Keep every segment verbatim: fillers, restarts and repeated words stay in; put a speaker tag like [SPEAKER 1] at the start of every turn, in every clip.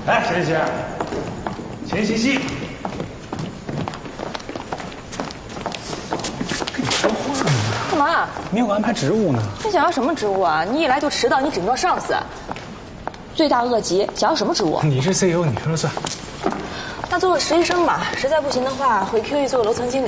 [SPEAKER 1] 来，沈姐，前西西。跟你说话呢。
[SPEAKER 2] 干嘛？
[SPEAKER 1] 没有安排职务呢。
[SPEAKER 2] 你想要什么职务啊？你一来就迟到，你顶撞上司，罪大恶极，想要什么职务？
[SPEAKER 1] 你是 C E O， 你说了算。
[SPEAKER 2] 那做个实习生吧，实在不行的话，回 Q E 做个楼层经理。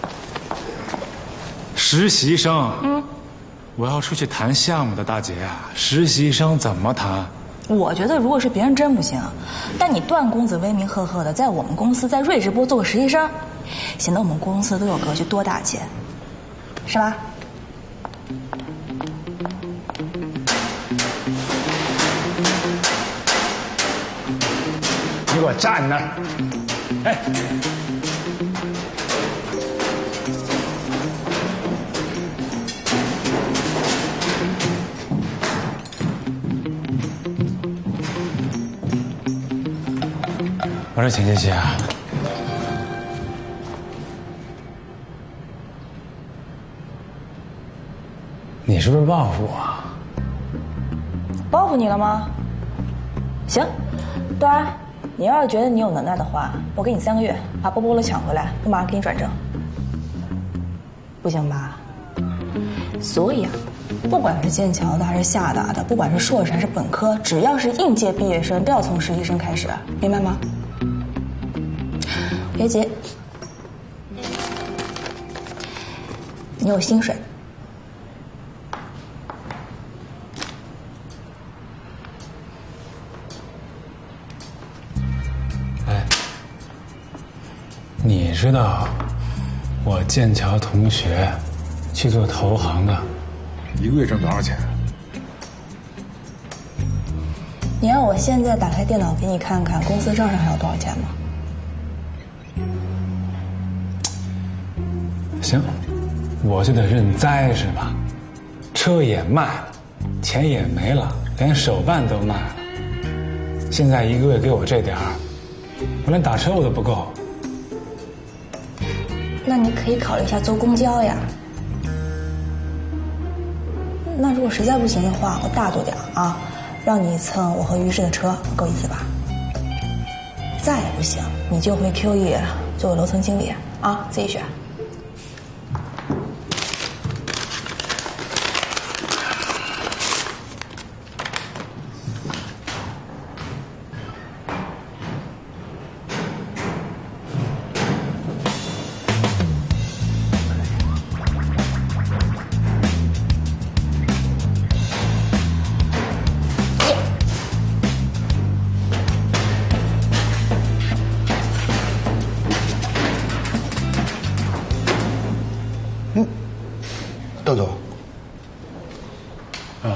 [SPEAKER 3] 实习生？嗯，我要出去谈项目的，大姐啊，实习生怎么谈？
[SPEAKER 2] 我觉得如果是别人真不行，但你段公子威名赫赫的，在我们公司在瑞士波做个实习生，显得我们公司都有格局，多大气，是吧？
[SPEAKER 1] 你给我站那儿！哎，
[SPEAKER 3] 我说钱茜茜啊，你是不是报复我？
[SPEAKER 2] 报复你了吗？行，端儿，你要是觉得你有能耐的话，我给你三个月，把波波罗抢回来，我马上给你转正。不行吧？所以啊，不管是剑桥的还是厦大的，不管是硕士还是本科，只要是应届毕业生，都要从实习生开始，明白吗？别急，你有薪水。
[SPEAKER 3] 哎，你知道我剑桥同学去做投行的，
[SPEAKER 4] 一个月挣多少钱？
[SPEAKER 2] 你让我现在打开电脑给你看看公司账上还有多少钱吗？
[SPEAKER 3] 行，我就得认栽是吧？车也卖了，钱也没了，连手办都卖了。现在一个月给我这点儿，我连打车我都不够。
[SPEAKER 2] 那你可以考虑一下坐公交呀。那如果实在不行的话，我大度点啊，让你蹭我和于适的车，够意思吧？再不行，你就回 Q E 做个楼层经理啊，自己选。
[SPEAKER 4] 窦总，
[SPEAKER 3] 啊，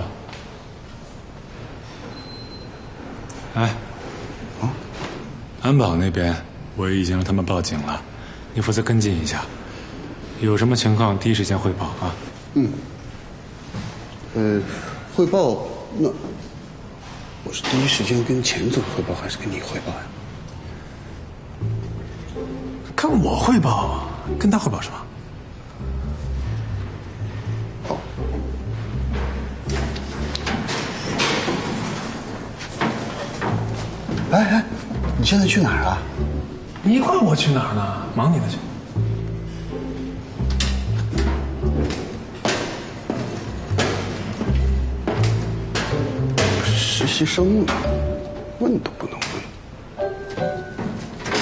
[SPEAKER 3] 哎，
[SPEAKER 4] 啊，
[SPEAKER 3] 安保那边我已经让他们报警了，你负责跟进一下，有什么情况第一时间汇报啊。
[SPEAKER 4] 嗯，呃，汇报那我是第一时间跟钱总汇报，还是跟你汇报呀？
[SPEAKER 1] 跟我汇报，跟他汇报是吧？
[SPEAKER 4] 哎哎，你现在去哪儿啊？
[SPEAKER 1] 你管我去哪儿呢？忙你的去。
[SPEAKER 4] 实习生问都不能问。